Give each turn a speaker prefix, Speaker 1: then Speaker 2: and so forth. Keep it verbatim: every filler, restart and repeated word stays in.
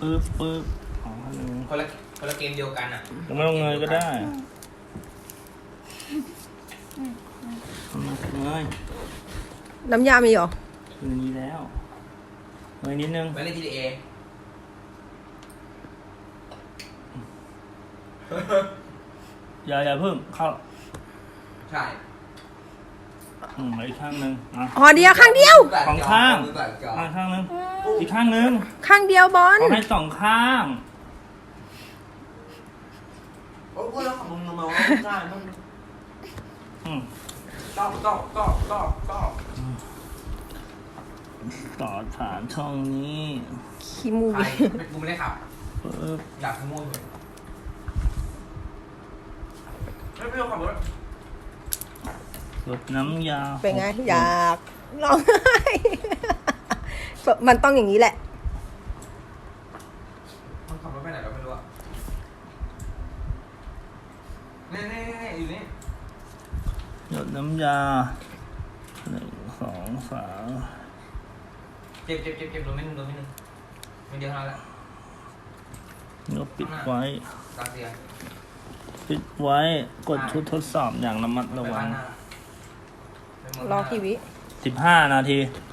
Speaker 1: ปึ๊บปึ๊บอ๋อหนึ่ง
Speaker 2: คนละคนละเกมเดียวกันอ่ะ
Speaker 1: จะไม่ต้องเงยก็ได้เงย
Speaker 3: น้ำยามีเหรอ
Speaker 1: คืนนี้แล้วเงยนิดนึง
Speaker 2: ไปเล่น จี ที เอ
Speaker 1: อย่าอย่าเพิ่งเข้า
Speaker 2: ใช่
Speaker 1: อืมอีกข้างหนึ่งอ่ะ
Speaker 3: อ๋อเดียวข้างเดียว
Speaker 1: สองข้าง
Speaker 2: มือแปดจอ
Speaker 1: อ่ะข้างหนึ่งอีกข้างหนึ่ง
Speaker 3: ข้างเดียวบอล
Speaker 1: ขอให้สองข้าง
Speaker 2: โอ้ยแล้วของมึงมาว่าได้มึง
Speaker 1: อืม
Speaker 2: ก็ก็ก็ก็ก็
Speaker 1: ต่อฐานช่องนี้
Speaker 3: ขี้มู
Speaker 2: ใคร
Speaker 3: ก
Speaker 2: กูไม่ได้ขับ
Speaker 1: ปึ๊บ
Speaker 2: อยากขโมยเลยไม่ไม่ต้องขับรถ
Speaker 1: กดน้ำยา
Speaker 3: เป็นไงอยากร้องไห้ มันต้องอย่างนี้แหละ
Speaker 2: มันขับรถไปไหนเราไม่รู้อะนี่นี่นี่อยู่นี่
Speaker 1: หยดน้ำยาหนึ่งสองสาม
Speaker 2: เจ็บเจ็บเจ็บเจ็บโดนไม่หนึ่งโดนไม่หนึ่งไม่เดียวเท่านั้นแหละ
Speaker 1: แล้วปิดไว้
Speaker 2: ตาเสีย
Speaker 1: ปิดไว้กดชุดทดสอบอย่างระมัดระวัง
Speaker 3: รอกี่วิ
Speaker 1: สิบห้านาที
Speaker 2: โ